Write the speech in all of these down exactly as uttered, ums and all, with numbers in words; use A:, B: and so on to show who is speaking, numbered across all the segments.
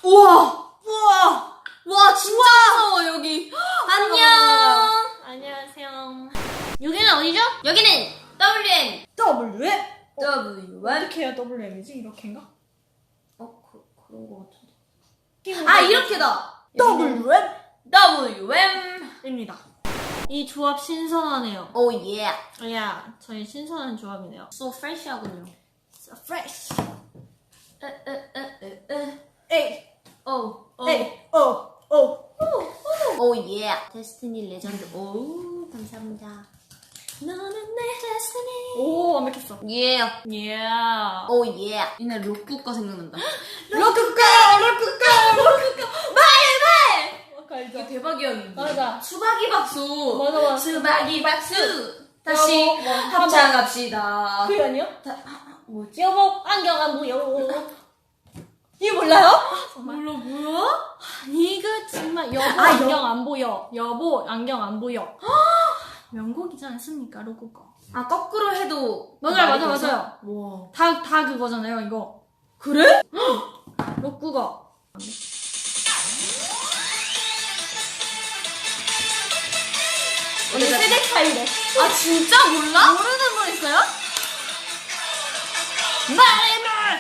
A: 우와! 우와! 와, 진짜 무서워, 여기. 안녕!
B: 안녕하세요. 여기는 어디죠?
A: 여기는 더블유엠!
B: 더블유엠?
A: 더블유엠?
B: 어떻게 해야 더블유엠이지? 이렇게인가?
A: 어, 그, 그런 거 같은데. 아, 이렇게다!
B: 더블유엠?
A: 더블유엠입니다.
B: 이 조합 신선하네요.
A: 오, 예.
B: 야, 저희 신선한 조합이네요.
A: So fresh하군요.
B: So fresh.
A: 에, 에, 에, 에, 에.
B: 에이,
A: 오, 오.
B: 에이, 오, 오.
A: 오, 예. 데스티니 레전드. 오, 감사합니다. 너는 내 데스티니.
B: 오, 완벽했어.
A: 예.
B: 예.
A: 오, 예. 이날 로쿠 거 생각난다.
B: 로쿠꺼! 로쿠꺼! 로쿠꺼!
A: 말, 말!
B: 아까
A: 이게
B: 알죠?
A: 대박이었는데.
B: 맞아.
A: 수박이 박수.
B: 맞아, 맞아.
A: 수박이 박수. 다시
B: 여보, 뭐,
A: 합창합시다.
B: 그게 아니야?
A: 다, 아, 뭐지?
B: 여보, 안경 안 보여. 이게 몰라요?
A: 몰라, 뭐야?
B: 이거 정말 여보
A: 아,
B: 안경
A: 여-
B: 안 보여. 여보 안경 안 보여. 명곡이지 않습니까, 로쿠꺼?
A: 아, 거꾸로 해도.
B: 맞아요,
A: 말이
B: 맞아요,
A: 돼서?
B: 맞아요.
A: 와.
B: 다, 다 그거잖아요, 이거.
A: 그래?
B: 로쿠꺼.
A: 근데
B: 우리 세대 차이래.
A: 아, 진짜 몰라?
B: 모르는 거 있어요? 말해 말!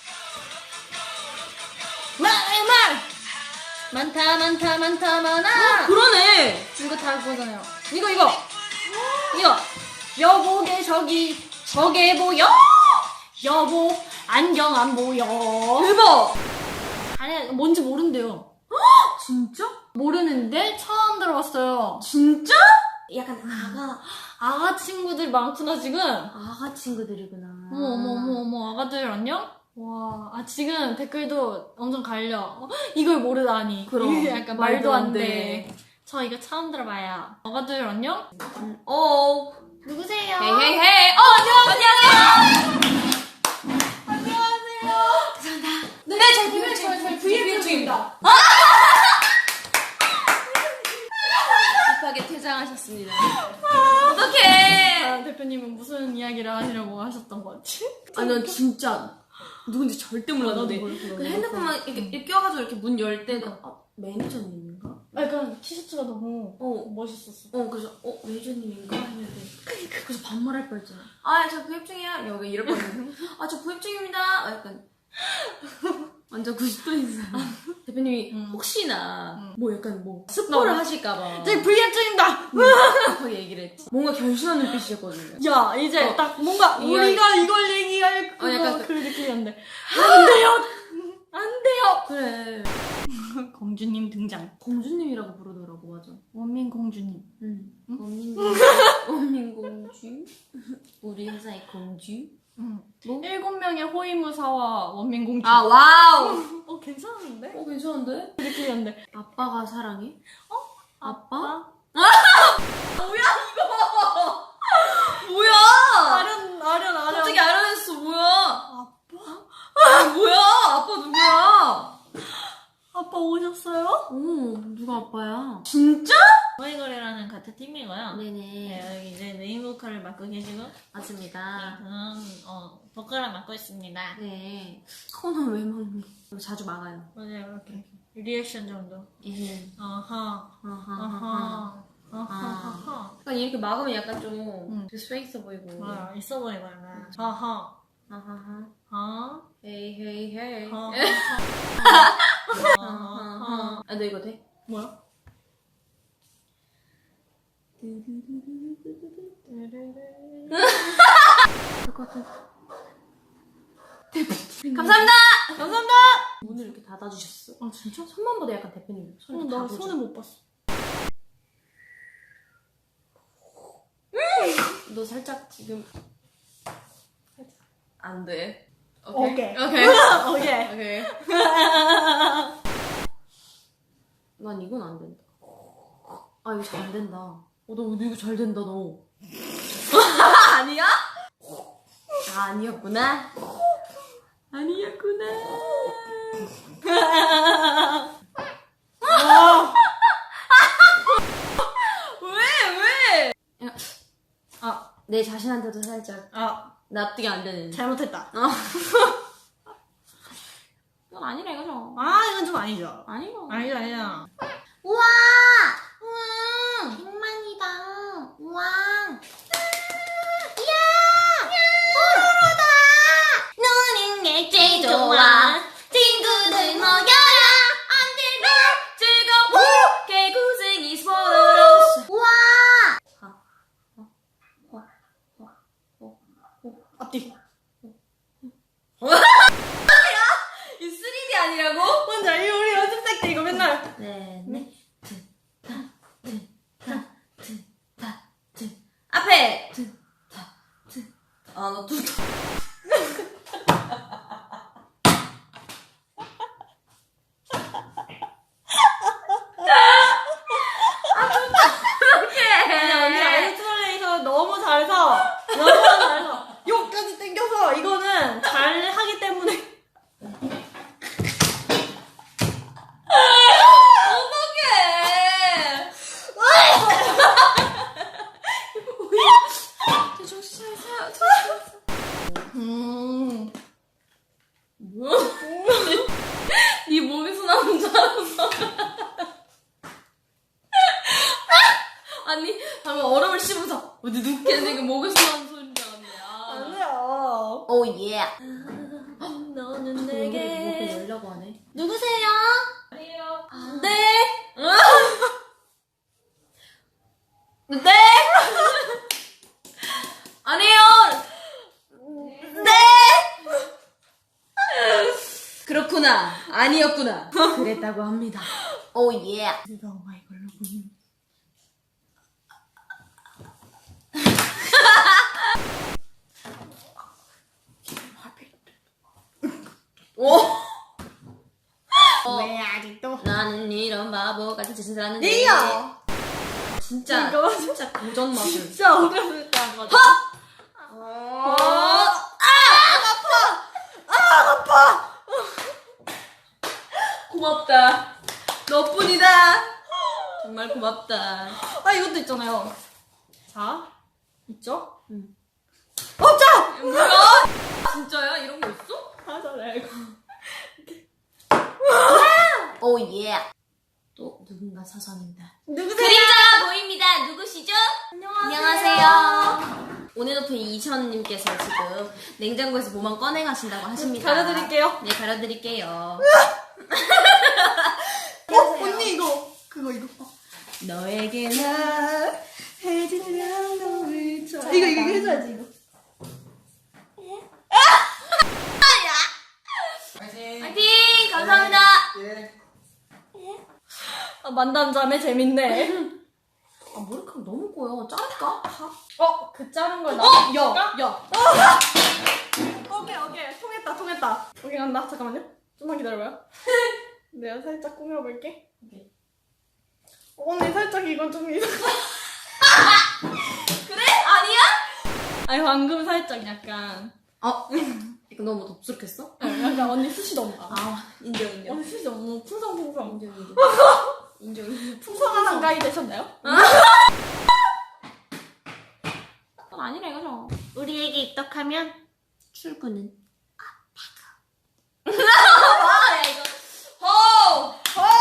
B: 말해 말! 많다 많다 많다 많아.
A: 그러네.
B: 이거 다 그거잖아요. 이거 이거 이거 여보게 저기 저게 보여? 여보 안경 안 보여.
A: 대박.
B: 아니 뭔지 모른대요.
A: 진짜?
B: 모르는데 처음 들어봤어요.
A: 진짜? 약간 아가,
B: 아가 친구들 많구나 지금.
A: 아가 친구들이구나.
B: 어머 어머 어머 어머 아가들 안녕? 와, 아 지금 댓글도 엄청 갈려. 어, 이걸 모르다니.
A: 그럼.
B: 이게 약간 말도
A: 말도
B: 안
A: 안
B: 돼.
A: 돼.
B: 저 이거 처음 들어봐요. 아가들 안녕?
A: 어.
B: 누구세요?
A: 헤이 헤이 헤이. 어, 안녕하세요.
B: 안녕하세요.
A: 감사합니다.
B: 네, 저희 브이앱 저희 저희 브이앱 중입니다.
A: 급하게 퇴장하셨습니다. 어떡해.
B: 아, 대표님은 무슨 이야기를 하시려고 하셨던 것 같지?
A: 아니, 난 진짜 누군지 절대 몰랐는데.
B: 나도 몰랐어, 나도
A: 그 핸드폰만 이렇게, 이렇게 껴가지고 이렇게 문 열 때가, 아, 매니저님인가?
B: 아, 약간 티셔츠가 너무
A: 어.
B: 멋있었어.
A: 어, 그래서, 어, 매니저님인가? 했는데. 그래서 반말할 뻔 했잖아. 아, 저 구입 중이야. 여기 이럴 뻔했는데. 아, 저 구입 중입니다. 아, 약간. 완전 구십 도인상. 대표님이
B: 음.
A: 혹시나
B: 음.
A: 뭐 약간 뭐 스포를
B: 너.
A: 하실까봐
B: 저희 브이앱 중입니다.
A: 급하게 얘기를 했지. 뭔가 결심한 눈빛이었거든요.
B: 야, 이제
A: 어.
B: 딱 뭔가
A: 이거-
B: 우리가 이걸 얘기할 그거
A: 어, 약간 그-
B: 그 느낌이었는데 안 돼요, 안 돼요.
A: 그래.
B: 공주님 등장.
A: 공주님이라고 부르더라고, 맞아.
B: 원민 공주님.
A: 응. 원민공주. 원민공주. 우리 회사의 공주.
B: 응.
A: 뭐?
B: 일곱 명의 호위무사와 원민 공주.
A: 아, 와우.
B: 어 괜찮은데?
A: 어, 괜찮은데?
B: 그 느낌이었는데.
A: 아빠가 사랑해? 어? 아빠? 뭐야, 이거! 뭐야!
B: 아련 아련 아련.
A: 갑자기 알아냈어, 뭐야!
B: 아빠?
A: 아, 뭐야! 아빠 누구야?
B: 아빠 오셨어요?
A: 오, 누가 아빠야? 진짜?
B: 저희거래라는 같은 팀이고요.
A: 네네.
B: 네, 여기 이제 메인 보컬을 맡고 계시고,
A: 맞습니다.
B: 저는 어 보컬을 맡고 있습니다.
A: 네. 코너 왜 막니? 자주 막아요.
B: 맞아요, 이렇게 리액션 정도.
A: 예.
B: 아하,
A: 아하하하.
B: 아하, 아하하하.
A: 약간 이렇게 막으면 약간 좀
B: 응.
A: 스페 있어 보이고.
B: 아, 있어 보이고 약간. 아하,
A: 아하하.
B: 아,
A: 헤이 헤이 헤이.
B: 아하,
A: 아하하. 아, 너 이거 돼?
B: 뭐야?
A: 감사합니다!
B: 감사합니다.
A: 문을 이렇게 닫아주셨어.
B: 아 진짜?
A: 손만 봐도 약간 대표님 손
B: 어,
A: 이렇게
B: 나
A: 닫아줘.
B: 손을 못 봤어.
A: 너 살짝 지금 안 돼.
B: 오케이.
A: 오케이.
B: 오케이.
A: 오케이. 난 이건 안 된다. 아, 이거 잘 안 된다. 어, 너 이거 잘 된다, 너. 아니야? 아, 아니었구나. 아니었구나. 왜, 왜?
B: 아,
A: 내 자신한테도 살짝
B: 아,
A: 납득이 안 되는.
B: 잘못했다.
A: 어. 이건 아니라 이거죠.
B: 아, 이건 좀 아니죠.
A: 아니요.
B: 아니죠, 아니죠.
A: 우와! 우와! 백만이다. 우와! 이야! 뽀로로다! 노는 게 제일 좋아. 친구들 모여라. 언제나 즐거워. 개구쟁이 뽀로로. 우와!
B: 앞뒤.
A: 이 쓰리디 아니라고?
B: 뭔지 알지? 우리 연습생 때 이거 맨날.
A: 네, 네. 트, 타, 트, 타, 트, 타, 트. 앞에! 트, 타, 트. 아, 너 두,
B: 그냥 언니 아이스트레이서 너무 잘해서 너무 잘해서 여기까지 당겨서 이거는 잘 하기 때문에.
A: 어떡해! 정신 차리세요.
B: 음.
A: 뭐야? 네 목에서 나온 줄 알았어. 아니, 방금 얼음을 씹어서 어디 눕게 지금 목에서 나온 소리인 줄 알았네. 아.
B: 아니야.
A: 오, 예.
B: 너는
A: 목에
B: 내게.
A: 열려고 하네. 누구세요?
B: 아니에요.
A: 네. 네. 아니에요. 네. 그렇구나. 아니었구나. 그랬다고 합니다. 오, 예.
B: 뜨거워 이걸로 보이는.
A: 오.
B: 왜 아직도?
A: 나는 이런 바보 같은 짓을 하는데.
B: 예요.
A: 진짜
B: 이거
A: 진짜 고전 마술.
B: 진짜 어렸을 때 한 거죠.
A: 어. 고맙다. 너뿐이다. 정말 고맙다.
B: 아, 이것도 있잖아요. 자, 있죠?
A: 응.
B: 없죠?
A: 뭐야? 진짜야? 이런 거 있어?
B: 하잖아요, 이거.
A: 오, 예. 또 누군가 사선입니다.
B: 누구세요?
A: 그림자가 보입니다. 누구시죠?
B: 안녕하세요.
A: 안녕하세요. 오늘 높은 이천님께서 지금 냉장고에서 뭐만 꺼내 가신다고 하십니다.
B: 가려드릴게요.
A: 네, 가려드릴게요.
B: 어, 언니 이거. 그거, 이거.
A: 너에게 나
B: 해지는 너를 줘. 이거, 이거 해줘야지, 이거.
A: 파이팅! 감사합니다.
C: 예.
B: 아, 만담자매 재밌네.
A: 아, 머리카락 너무 꼬여. 자를까?
B: 어, 그 자른 걸 나.
A: 어! 야! 야!
B: 오케이, 오케이. 통했다, 통했다. 오케이, 간다. 잠깐만요. 좀만 기다려봐요. 내가 살짝 꾸며볼게.
A: 오케이.
B: 어, 언니 살짝 이건 좀 이상.
A: 그래? 아니야?
B: 아니, 방금 살짝 약간.
A: 어? 이거 너무 덥수룩했어?
B: 어, 약간 언니 숱이 너무 많아.
A: 아, 인정, 인정.
B: 언니 숱이 너무 풍성풍성.
A: 인정, 인정. 인정, 인정.
B: 풍성한 한가위 되셨나요?
A: 그건 아니라 이거죠. 우리에게 입덕하면 출근은 아빠가. 와, 야, 이거. 호!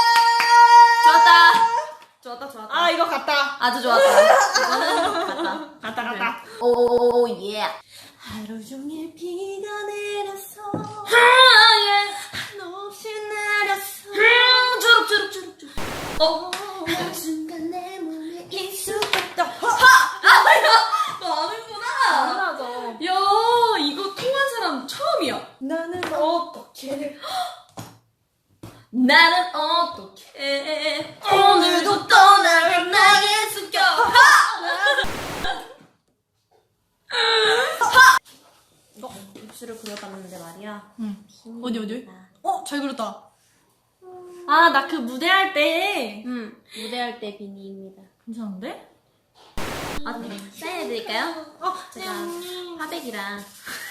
A: 좋았다. 좋았다, 좋았다.
B: 아, 이거 같다.
A: 아주 좋았다. 이거는 갔다.
B: 갔다, 갔다.
A: 오, 예.
B: 하루 종일 비가 내렸어.
A: 아, 예.
B: 한없이 내렸어.
A: 음, 주룩, 주룩, 주룩, 주룩. 어?
B: 그 순간 내 몸에 익숙했다.
A: 너 아는구나.
B: 당연하죠.
A: 야, 이거 통한 사람 처음이야.
B: 나는 어떻게
A: 나는 어떻게 오늘도 떠나갈 나의 습격. 이거 입술을 그려봤는데 말이야.
B: 응. 어디, 어디? 어, 잘 그렸다. 아, 나 그 무대 할 때.
A: 음, 무대할 때 비니입니다.
B: 괜찮은데?
A: 아, 네. 사인해드릴까요?
B: 어,
A: 제가 화백이랑.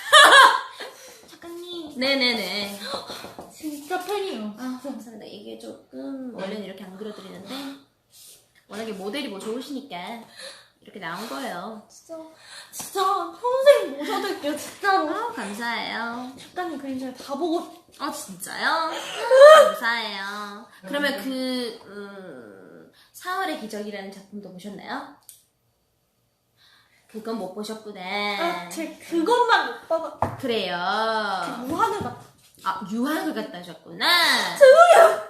B: 작가님.
A: 네네네.
B: 진짜 팬이에요.
A: 아, 감사합니다. 이게 조금 원래는 이렇게 안 그려드리는데 워낙에 모델이 뭐 좋으시니까 이렇게 나온 거예요.
B: 진짜 진짜 평생 모셔둘게요 진짜로.
A: 아, 감사해요.
B: 작가님 그림 제가 다 보고.
A: 아, 진짜요? 감사해요. 그러면 그, 음, 사월의 기적이라는 작품도 보셨나요? 그건 못 보셨구나.
B: 아, 제 그것만 못 봐봐.
A: 그래요.
B: 무한을 봤.
A: 아, 유학을 갔다 오셨구나.
B: 죄송해요.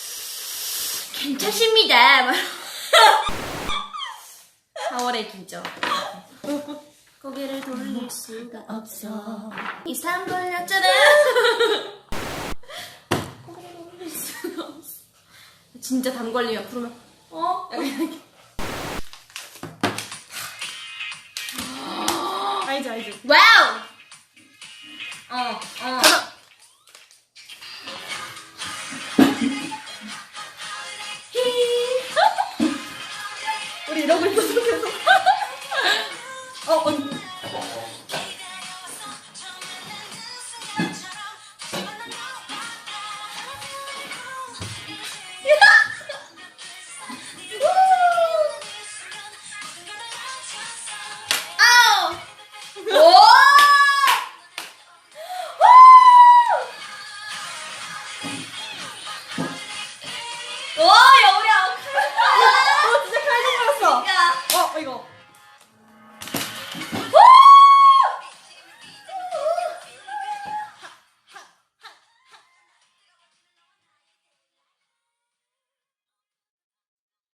A: 괜찮습니다. 사월의 기적. 고개를 돌릴 수가 없어. 이상 걸렸잖아. 고개를 돌릴 수가 없어. 진짜 담 걸리면 부르면 어? 약간 이렇게.
B: 알지 알지.
A: 와우. 어, 어.
B: 우리 이러고 있었어 계속. 어 언니.
A: 오!